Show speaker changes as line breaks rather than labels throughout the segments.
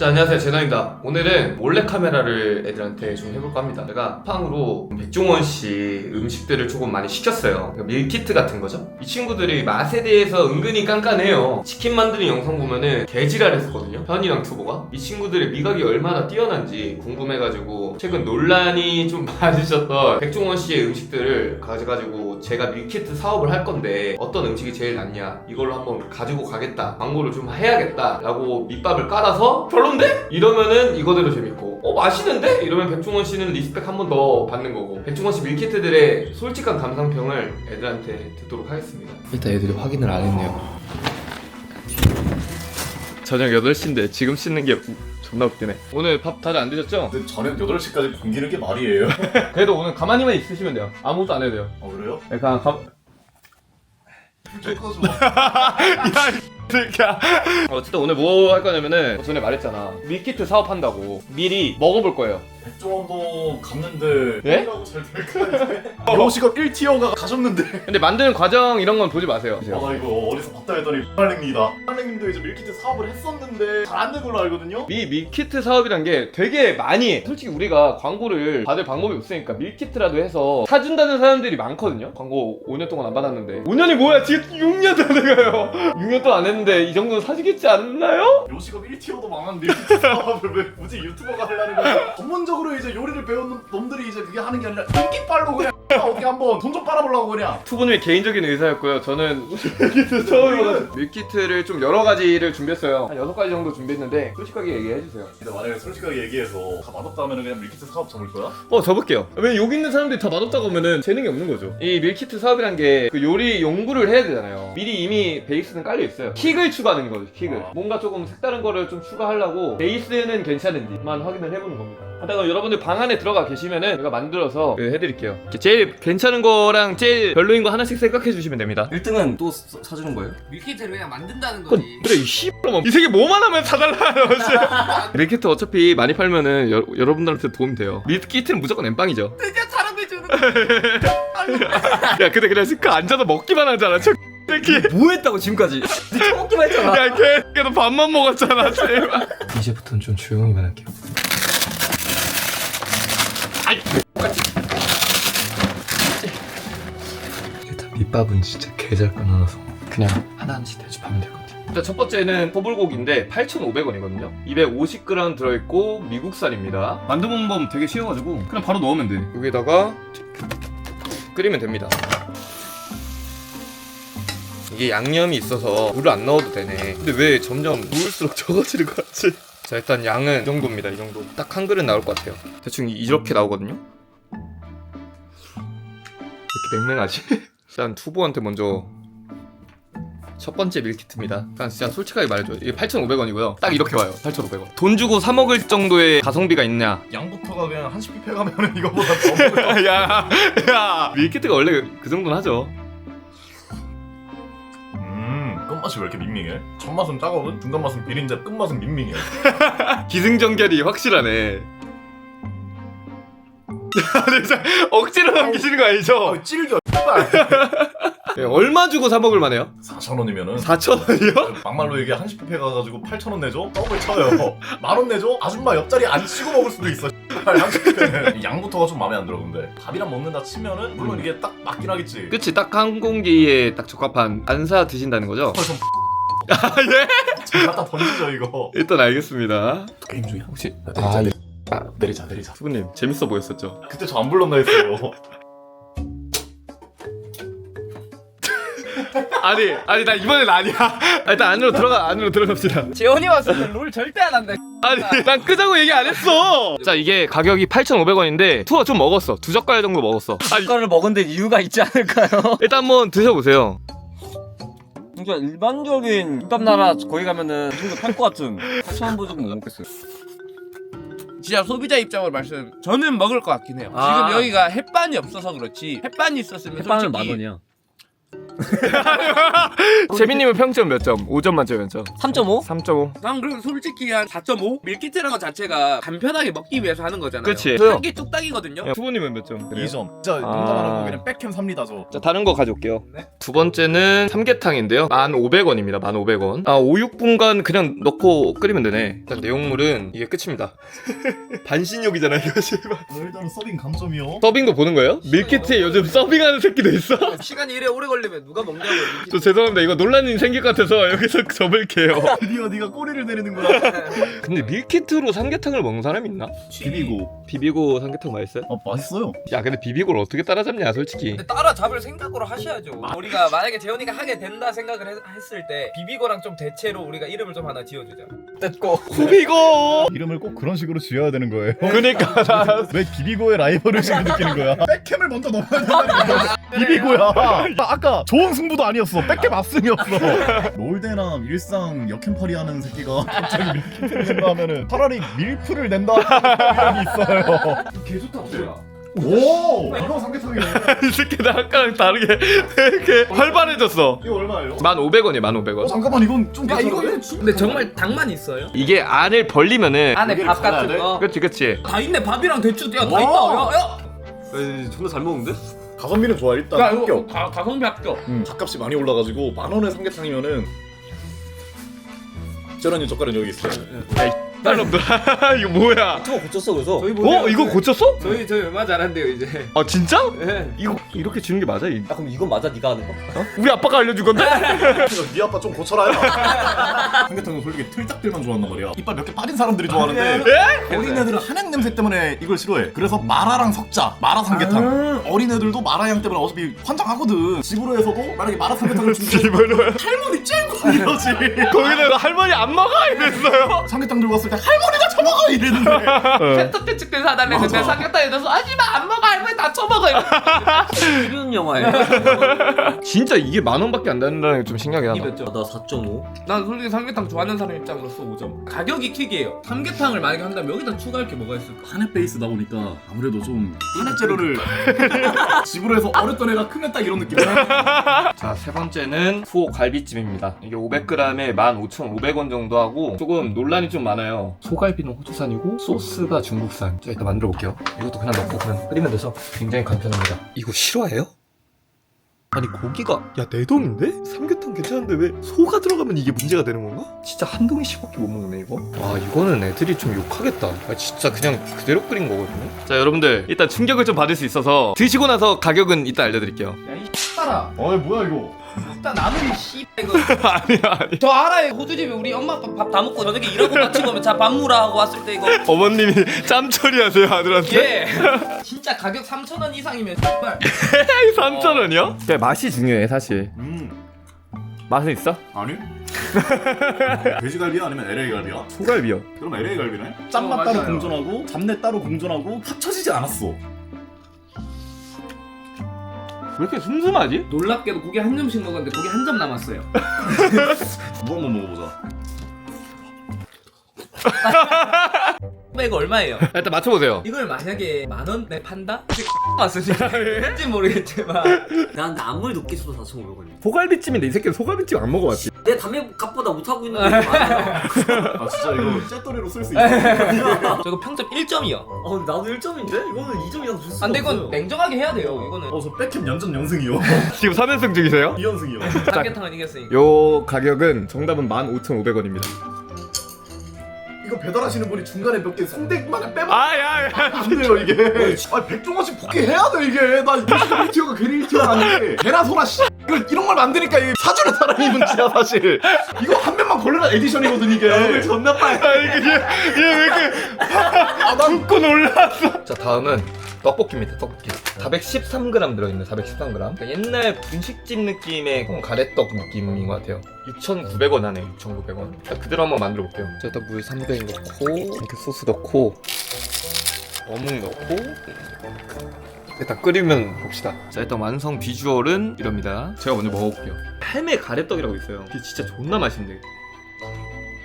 자, 안녕하세요, 제노입니다. 오늘은 몰래카메라를 애들한테 좀 해볼까 합니다. 제가 팡으로 백종원씨 음식들을 조금 많이 시켰어요. 그러니까 밀키트 같은 거죠. 이 친구들이 맛에 대해서 은근히 깐깐해요. 치킨 만드는 영상 보면은 개지랄 했었거든요, 현이랑 투보가. 이 친구들의 미각이 얼마나 뛰어난지 궁금해가지고 최근 논란이 좀 많으셨던 백종원씨의 음식들을 가져가지고 제가 밀키트 사업을 할 건데 어떤 음식이 제일 낫냐, 이걸로 한번 가지고 가겠다, 광고를 좀 해야겠다 라고 밑밥을 깔아서 별론데? 이러면은 이거대로 재밌고, 맛있는데? 이러면 백종원 씨는 리스펙 한 번 더 받는 거고, 백종원 씨 밀키트들의 솔직한 감상평을 애들한테 듣도록 하겠습니다. 일단 애들이 확인을 안 했네요. 저녁 8시인데 지금 씻는 게 존나 웃기네. 오늘 밥 다들 안 드셨죠?
근데 저녁 8시까지 굶기는 게 말이에요?
그래도 오늘 가만히만 있으시면 돼요. 아무것도 안 해도 돼요.
그래요?
약간
쫓아줘.
어쨌든 오늘 뭐 할 거냐면은 전에 말했잖아, 밀키트 사업한다고. 미리 먹어볼 거예요.
백종원도 갔는데
예?
이라고 잘 될까? 요시가 1티어가 가셨는데
근데 만드는 과정 이런 건 보지 마세요.
나 이거 어디서 봤다 했더니 할랭님이다. 할랭님도 이제 밀키트 사업을 했었는데 잘 안 된 걸로 알거든요?
밀키트 사업이란 게 되게 많이 해. 솔직히 우리가 광고를 받을 방법이 없으니까 밀키트라도 해서 사준다는 사람들이 많거든요. 광고 5년 동안 안 받았는데. 5년이 뭐야, 지금 6년 다 돼가요. 6년 동안 안 했는데 이 정도는 사주겠지 않나요?
요시가 1티어도 망한 밀키트 사업을 왜 굳이 유튜버가 하려는 거야? 전문적으로 이제 요리를 배우는 놈들이 이제 그게 하는 게 아니라 인기빨로 그냥 어떻게 한번 돈 좀 빨아보려고 그냥.
투분의 개인적인 의사였고요. 저는 밀키트 처음이어가지고 밀키트를 좀 여러 가지를 준비했어요. 한 6가지 정도 준비했는데 솔직하게 얘기해주세요.
근데 만약에 솔직하게 얘기해서 다 맛없다 하면 그냥 밀키트 사업 접을 거야?
접을게요. 왜 여기 있는 사람들이 다 맛없다고 하면은 재능이 없는 거죠. 이 밀키트 사업이란 게 그 요리 연구를 해야 되잖아요. 미리 이미 베이스는 깔려 있어요. 킥을 추가하는 거죠, 킥을. 뭔가 조금 색다른 거를 좀 추가하려고 베이스는 괜찮은지만 확인을 해보는 겁니다. 하다가 여러분들 방 안에 들어가 계시면은 제가 만들어서 해드릴게요. 제일 괜찮은 거랑 제일 별로인 거 하나씩 생각해 주시면 됩니다.
1등은 또 사주는 거예요?
밀키트를 그냥 만든다는 거지.
그래, 이 씨발놈아, 이 세계 뭐만 하면 사달라요. 밀키트 어차피 많이 팔면은 여러분들한테 도움이 돼요. 밀키트는 무조건 엠빵이죠.
드디어 사람이 주는
야, 근데 그냥 그 앉아서 먹기만 하잖아, 저 새끼.
뭐 했다고 지금까지? 처먹기만 했잖아.
야, 걔도 밥만 먹었잖아, 제발. 이제부터는 좀 조용히만 할게요. 일단 밑밥은 진짜 개잘 끊어놔서 그냥 하나씩 대접하면 될 것 같아요. 일단 첫 번째는 소불고기인데 8,500원이거든요 250g 들어있고 미국산입니다. 만드는 법 되게 쉬워가지고 그냥 바로 넣으면 돼. 여기다가 끓이면 됩니다. 이게 양념이 있어서 물을 안 넣어도 되네. 근데 왜 점점 부을수록 적어지는 것 같지? 자, 일단 양은 이 정도입니다. 이 정도. 딱 한 그릇 나올 것 같아요. 대충 이렇게 나오거든요. 이렇게 맹맹하지? 일단 투보한테 먼저 첫 번째 밀키트입니다. 그냥 진짜 솔직하게 말해줘요. 이게 8,500원이고요 딱 이렇게 와요. 8,500원 돈 주고 사 먹을 정도의 가성비가 있냐?
양부터가 그냥 한식 뷔페 가면은 이거보다 더 먹어요.
야, 밀키트가 원래 그 정도는 하죠.
끝맛이 왜 이렇게 밍밍해? 첫 맛은 짜거든? 중간 맛은 비린데 끝맛은 밍밍해.
기승전결이 확실하네. 진짜 억지로 남기시는 거 아니죠?
찔겨.
네, 얼마 주고 사 먹을 만해요?
4,000원이면은
4,000원이요?
막말로 얘기해. 한식 뷔페 가가지고 8,000원 내줘? 떡을 쳐요. 10,000원 내줘? 아줌마 옆자리 안 치고 먹을 수도 있어. 한식 뷔페는 양부터가 좀 마음에 안 들어. 근데 밥이랑 먹는다 치면은 물론 이게 딱 맞긴 하겠지.
그치, 딱 한 공기에 딱 적합한. 안 사 드신다는 거죠? 아, 예?
좀 갖다 던지죠 이거.
일단 알겠습니다.
게임 중이야?
혹시
내리자.
수부님 재밌어 보였었죠?
그때 저 안 불렀나 했어요.
아니 나 이번엔 아니야. 일단 안으로 들어갑시다.
재원이 왔으면 롤 절대 안 한다.
아니, 난 끄자고 얘기 안 했어. 자, 이게 가격이 8,500원인데 투어 좀 먹었어. 2젓갈 정도 먹었어.
젓갈을 먹은 데 이유가 있지 않을까요?
일단 한번 드셔보세요.
진짜 일반적인 김밥 나라 거기 가면은 이 정도 팔 것 같은 8,000원 보조금 못 먹겠어요.
진짜 소비자 입장으로 말씀. 저는 먹을 것 같긴 해요.
아.
지금 여기가 햇반이 없어서 그렇지. 햇반이 있었으면
햇반은
솔직히
10,000원이야.
재민님은 평점 몇 점? 5점 만점에 몇 점?
3.5?
3.5.
난 그래도 솔직히 한 4.5? 밀키트라는 것 자체가 간편하게 먹기 위해서 하는 거잖아요.
그치.
한개 뚝딱이거든요.
투보님은 몇 점?
2점. 진짜 농담 안 하고 그냥 백캠 삽니다 저.
자, 다른 거 가져올게요.
네.
두 번째는 삼계탕인데요. 1,500원입니다. 1,500원. 아, 5, 6분간 그냥 넣고 끓이면 되네. 일단 내용물은 이게 끝입니다. 반신욕이잖아, 이거 제발.
일단은 서빙 감점이요.
서빙도 보는 거예요? 밀키트에 요즘 서빙하는 새끼도 있어?
시간이 이래 오래 걸리면 누가 먹냐고.
저 죄송합니다. 이거 논란이 생길 것 같아서 여기서 접을게요.
드디어 네가 꼬리를 내리는 거야.
근데 밀키트로 삼계탕을 먹는 사람 있나?
비비고.
비비고 삼계탕 맛있어요?
맛있어요.
야, 근데 비비고를 어떻게 따라잡냐, 솔직히.
따라잡을 생각으로 하셔야죠. 우리가 만약에 재현이가 하게 된다 생각을 했을 때 비비고랑 좀 대체로 우리가 이름을 좀 하나 지어주자. 됐고.
비비고!
이름을 꼭 그런 식으로 지어야 되는 거예요.
그니까 나
왜 비비고의 라이벌의식을 느끼는 거야? 백캠을 먼저 넣어야 된다는 거야. 비비고야. 아까 좋은 승부도 아니었어. 백캠 압승이었어. 롤대나 일상 역캠팔이 하는 새끼가 갑자기 밀키트를 낸다 하면은 차라리 밀프를 낸다 하는 생각이 있어요.
개 좋다 뭐야.
오! 이거 삼계탕이네.
이 새끼 나 아까랑 다르게 되게 활발해졌어.
이거 얼마예요?
1,500원이에요, 1,500원.
잠깐만 이건 좀
야
괜찮은데?
이거는 근데 정말 당만 있어요?
이게 안을 벌리면은
안에
고기를
밥 같은
갈아야 돼?
거.
그치 그치.
다 있네. 밥이랑 대추 야 다
와.
있다. 야.
존나 잘 먹는데?
가성비는 좋아 일단
야 이거
합격.
가성비 합격.
밥값이 많이 올라가지고 10,000원의 삼계탕이면은 쩌라니 젓갈은 여기 있어요.
딸놈들 이거 뭐야?
저거 고쳤어 그래서?
저희 보세요.
이거 고쳤어?
저희 얼마 잘한대요 이제.
아 진짜?
네.
이거 이렇게 주는 게 맞아?
야 그럼 이건 맞아 네가 하는 거?
우리 아빠가 알려준 건데?
네 아빠 좀 고쳐라. 삼계탕은 솔직히 틀딱들만 좋아한단 말이야. 이빨 몇 개 빠진 사람들이 좋아하는데 어린애들은 한약 냄새 때문에 이걸 싫어해. 그래서 마라랑 섞자. 마라 삼계탕. 어린애들도 마라향 때문에 어차피 환장하거든. 집으로 해서도 만약에 마라 삼계탕을 준비해 할머니 쨍고 이러지.
거기다가 할머니 안 먹어 이랬어요.
삼계탕 들고 왔을 때 할머니가 처먹어 이랬는데.
세트 측들 사달래 했는데 삼겹살에 넣어서 하지마 안 먹어 할머니 다 처먹어.
이런 영화예요.
진짜 이게 10,000원밖에 안 된다는 게 좀 신기하긴 하다.
몇 점?
나 4.5.
난 솔직히 삼계탕 좋아하는 사람 입장으로서 5점. 가격이 킥이에요. 삼계탕을 만약에 한다면 여기다 추가할 게 뭐가 있을까?
한약 베이스다 보니까 아무래도 좀 한약 재료를 집으로 해서 어렸던 애가 크면 딱 이런 느낌이야.
자, 세 번째는 소 갈비찜입니다. 이게 500g에 15,500원 정도 하고 조금 논란이 좀 많아요. 소갈비는 호주산이고 소스가 중국산. 자, 일단 만들어 볼게요. 이것도 그냥 넣고 그냥 끓이면 돼서 굉장히 간편합니다. 이거 실화예요? 아니 고기가 야 내동인데? 삼계탕 괜찮은데 왜 소가 들어가면 이게 문제가 되는 건가? 진짜 한 동이씩밖에 못 먹네 이거. 와 이거는 애들이 좀 욕하겠다. 아, 진짜 그냥 그대로 끓인 거거든요. 자 여러분들 일단 충격을 좀 받을 수 있어서 드시고 나서 가격은 이따 알려드릴게요.
야이 X따라.
뭐야 이거?
일단 나는 이 씨 이거
아니
저 알아요. 호주집에 우리 엄마 아빠 밥 다 먹고 저녁에 일하고 마치고 오면 자 밥 무라 하고 왔을 때 이거
어머님이 짬 처리하세요 아들한테.
예 진짜 가격 3,000원 이상이면 정말
3,000원이요? 그래 맛이 중요해 사실. 맛은 있어?
아니? 돼지갈비야 아니면 LA 갈비야?
소갈비요.
그럼 LA 갈비네? 짠맛 따로
맞아요.
공존하고 잡내 따로 공존하고 합쳐지지 않았어.
왜 이렇게 슴슴하지?
놀랍게도 고기 한 점씩 먹었는데 고기 한 점 남았어요.
뭐 한번 먹어보자.
이거 얼마예요?
일단 맞춰보세요.
이걸 만약에 10,000원에 판다? 왔으니까 왠지 모르겠지만
난 아무리 높게 쳐도 4,500원이야.
소갈비찜인데 이 새끼는 소갈비찜 안 먹어봤지.
내 담배 값보다 못하고 있는 게 많아.
아 진짜 이거 쨘더리로 쓸 수 있어.
저 이거 평점 1점이요.
나도 1점인데? 이거는 2점 이상 줄 수가
근데 이건
없어요.
냉정하게 해야 돼요. 이거는
저 백캠 연전 연승이요.
지금 3연승 중이세요?
2연승이요.
삼계탕은 이겼으니까.
요 가격은 정답은 15,500원입니다.
이거 배달하시는 분이 중간에 몇 개 성대만에 빼면
아야야.
안 돼요 이게. 아 100종원씩 복귀해야 돼 이게. 나 1티어가 괜히 1티어가 아닌데. 개나 소나 씨. 이런 걸 만드니까 이게 사주는 사람이 문제야 사실. 이거 한 명만 걸려라 에디션이거든 이게.
존나 빨리.
얘왜 이렇게 붓고 놀랐어. 자 다음은 떡볶이입니다. 떡볶이 413g 들어있네. 413g. 그러니까 옛날 분식집 느낌의 가래떡 느낌인 것 같아요. 6,900원 하네. 6,900원. 자 그대로 한번 만들어 볼게요. 자 일단 물 300 넣고 이렇게 소스 넣고 어묵 넣고 일단 끓이면 봅시다. 자 일단 완성 비주얼은 이럽니다. 제가 먼저 먹어볼게요. 할매 가래떡이라고 있어요. 이게 진짜 존나 맛있는데.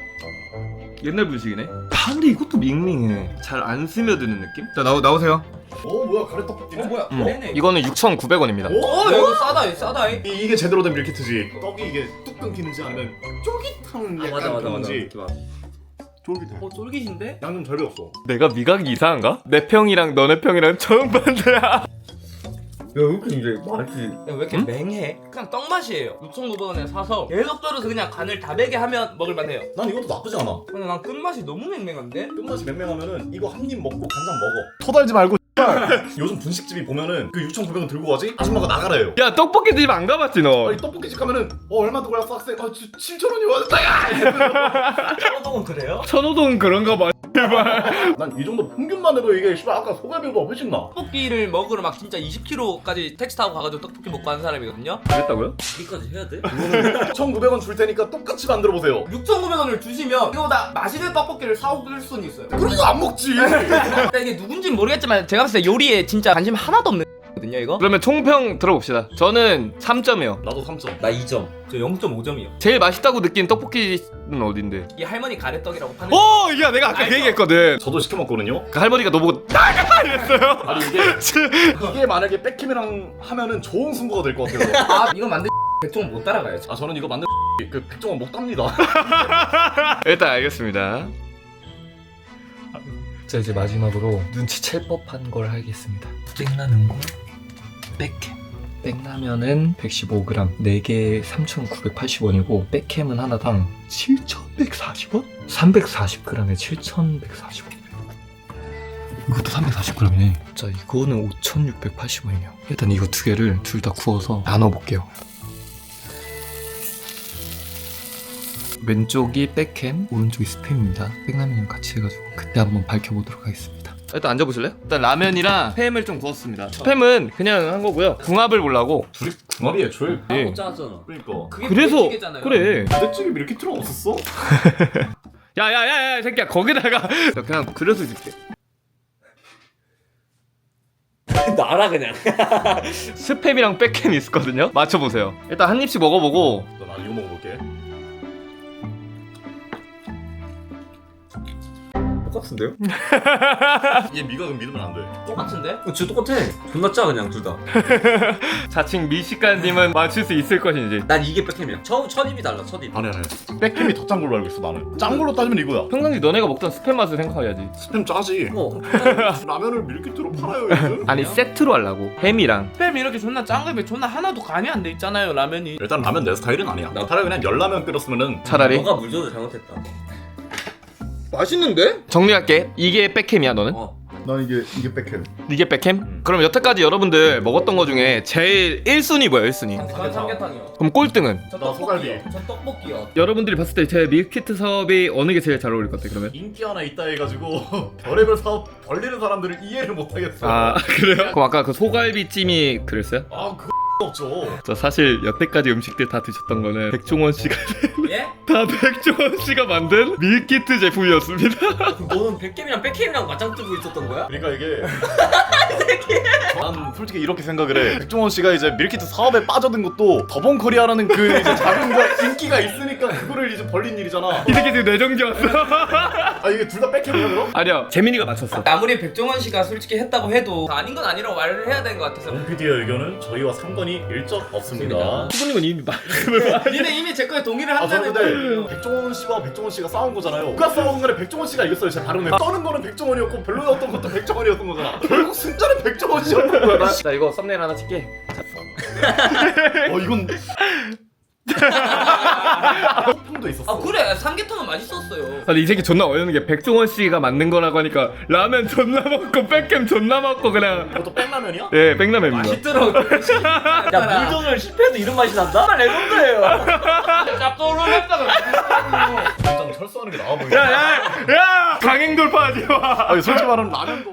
옛날 분식이네. 아 근데 이것도 밍밍해. 잘 안 스며드는 느낌? 자 나오세요.
뭐야 가래떡볶이네?
뭐야? 네네.
이거는 6,900원입니다.
오?
야, 이거 싸다, 싸다.
이게 제대로 된 밀키트지. 떡이 이게 뚝 끊기는지 아니면 쫄깃한 약간 그런지. 쫄깃해.
쫄깃인데?
양념 잘 배웠어.
내가 미각이 이상한가? 내 평이랑 너네 평이랑 정반대야.
야 이렇게 이제 맛이
야, 왜 이렇게 맹해? 그냥 떡 맛이에요. 6,900원에 사서 계속 썰어서 그냥 간을 다 배게 하면 먹을만해요.
난 이것도 나쁘지 않아.
근데 난 끝맛이 너무 맹맹한데?
끝맛이 맹맹하면은 이거 한 입 먹고 간장 먹어. 토달지 말고 요즘 분식집이 보면은 그 6,900원 들고 가지? 아줌마가 나가래요.
야 떡볶이 집 안 가봤지 너?
아니 떡볶이집 가면은 얼마 들고 왔어 학생? 7,000원이 왔다. 야!
떡은 그래요?
천호동 그런가 봐.
난 이 정도 평균만 해도 이게 씨발 아까 소갈비보다 훨씬 나.
떡볶이를 먹으러 막 진짜 20km까지 택시 타고 가가지고 떡볶이 먹고 하는 사람이거든요?
그랬다고요?
여기까지 해야 돼?
1,900원 줄 테니까 똑같이 만들어 보세요.
6,900원을 주시면 이거보다 맛있는 떡볶이를 사올 수는 있어요.
그럼 이거 안 먹지.
근데 이게 누군지는 모르겠지만 제가 봤을 때 요리에 진짜 관심 하나도 없는 거든요 이거?
그러면 총평 들어봅시다. 저는 3점이요.
나도 3점.
나 2점.
저 0.5점이요.
제일 맛있다고 느낀 떡볶이는 어딘데?
이 할머니 가래떡이라고 파는
오! 야 내가 아까 그
알죠?
얘기했거든.
저도 시켜 먹거든요.
그 할머니가 너 보고 나가! 이랬어요.
아니 이게 만약에 백킴이랑 하면은 좋은 승부가 될 것 같아요.
아 이거 만들 백종원 못 따라가요.
아 저는 이거 만든 그 백종원 못 답니다.
일단 알겠습니다. 자 이제 마지막으로 눈치챌 법한 걸 하겠습니다. 땡라면 거 백캠. 땡라면은 115g 4개에 3,980원이고 백캠은 하나당 7,140원? 340g에 7,140원. 이것도 340g이네. 자 이거는 5,680원이네요. 일단 이거 두 개를 둘 다 구워서 나눠볼게요. 왼쪽이 백햄, 오른쪽이 스팸입니다. 백라면이랑 같이 해가지고 그때 한번 밝혀보도록 하겠습니다. 일단 앉아보실래요? 일단 라면이랑 스팸을 좀 구웠습니다. 스팸은 그냥 한 거고요. 궁합을 보려고.
둘이 궁합이 애초에.
예.
못 짜잖아.
그러니까.
그게
그래서
부대찌개잖아요.
그래.
부대찌개 밀키트는 없었어?
야야야야 새끼야 거기다가 나 그냥 그려서 줄게.
나라 그냥.
스팸이랑 백햄이 있었거든요. 맞춰보세요. 일단 한 입씩 먹어보고.
난 이거 먹어볼게.
똑같은데요?
얘 미각은 믿으면 안 돼.
똑같은데?
진짜 똑같아. 존나 짜 그냥 둘 다.
자칭 미식가님은 맞출 수 있을 것인지.
난 이게 백햄이야. 첫 입이 달라. 첫 입.
아니. 백킴이 더 짠 걸로 알고 있어 나는. 짠 걸로 따지면 이거야.
평상시 너네가 먹던 스팸 맛을 생각해야지.
스팸 짜지. 라면을 밀키트로 팔아요 요즘.
아니 세트로 하려고. 햄이랑.
스팸 이렇게 존나 짠 거면 존나 하나도 간이 안 돼 있잖아요 라면이.
일단 라면 내 스타일은 아니야. 나 차라리 그냥 열라면 끓였으면은.
차라리.
너가 물 줘도 잘못했다.
맛있는데?
정리할게. 이게 백햄이야 너는?
난 이게 백햄.
이게 백햄? 그럼 여태까지 여러분들 먹었던 거 중에 제일 1순위 뭐야 1순위?
전 삼계탕이요.
그럼 꼴등은?
저
나 소갈비.
떡볶이요. 저 떡볶이요.
여러분들이 봤을 때 제 밀키트 사업이 어느 게 제일 잘 어울릴 것 같아 그러면?
인기 하나 있다 해가지고 별의별 사업 벌리는 사람들을 이해를 못하겠어.
아 그래요? 그럼 아까 그 소갈비찜이 그랬어요?
그 없죠.
저 사실 여태까지 음식들 다 드셨던 거는 백종원 씨가
예?
다 백종원 씨가 만든 밀키트 제품이었습니다.
너는 백햄이랑 백햄이랑 맞짱 뜨고 있었던 거야?
그러니까 이게 난 솔직히 이렇게 생각을 해. 백종원 씨가 이제 밀키트 사업에 빠져든 것도 더본코리아라는 그 이제 자금과 인기가 있으니까 그거를 이제 벌린 일이잖아.
이 새끼 지금 뇌정지 왔어.
아 이게 둘 다 백햄이야 그럼?
아니야 재민이가 맞췄어.
아무리 백종원 씨가 솔직히 했다고 해도 아닌 건 아니라고 말을 해야 되는 것 같아서.
원 PD의 의견은 저희와 상관이 일적 없습니다.
수분님은 이미 말씀을 많이.
니네 이미 제 거에 동의를
아 저는
한다는
근데
거예요.
백종원 씨와 백종원 씨가 싸운 거잖아요. 누가 싸우는 간에 백종원 씨가 이겼어요. 제 발언에 떠는 거는 백종원이었고 별로였던 것도 백종원이었던 거잖아. 결국 승자는 백종원 씨였던 거야. 나.
자 이거 썸네일 하나 찍게.
이건 소품도 있었어.
아 그래 삼계탕은 맛있었어요.
아니 이 새끼 존나 어이없는 게 백종원 씨가 만든 거라고 하니까 라면 존나 먹고 백햄 존나 먹고 그냥.
이것도 백라면이야?
예 백라면입니다.
맛있더라고.
야 물전을 실패해도 이런 맛이 난다? 정말 레전드예요.
짭조름했다가
당장 철수하는 게 나아 보이네.
야야야 강행 돌파하지 마.
아니 솔직히 말하면 라면도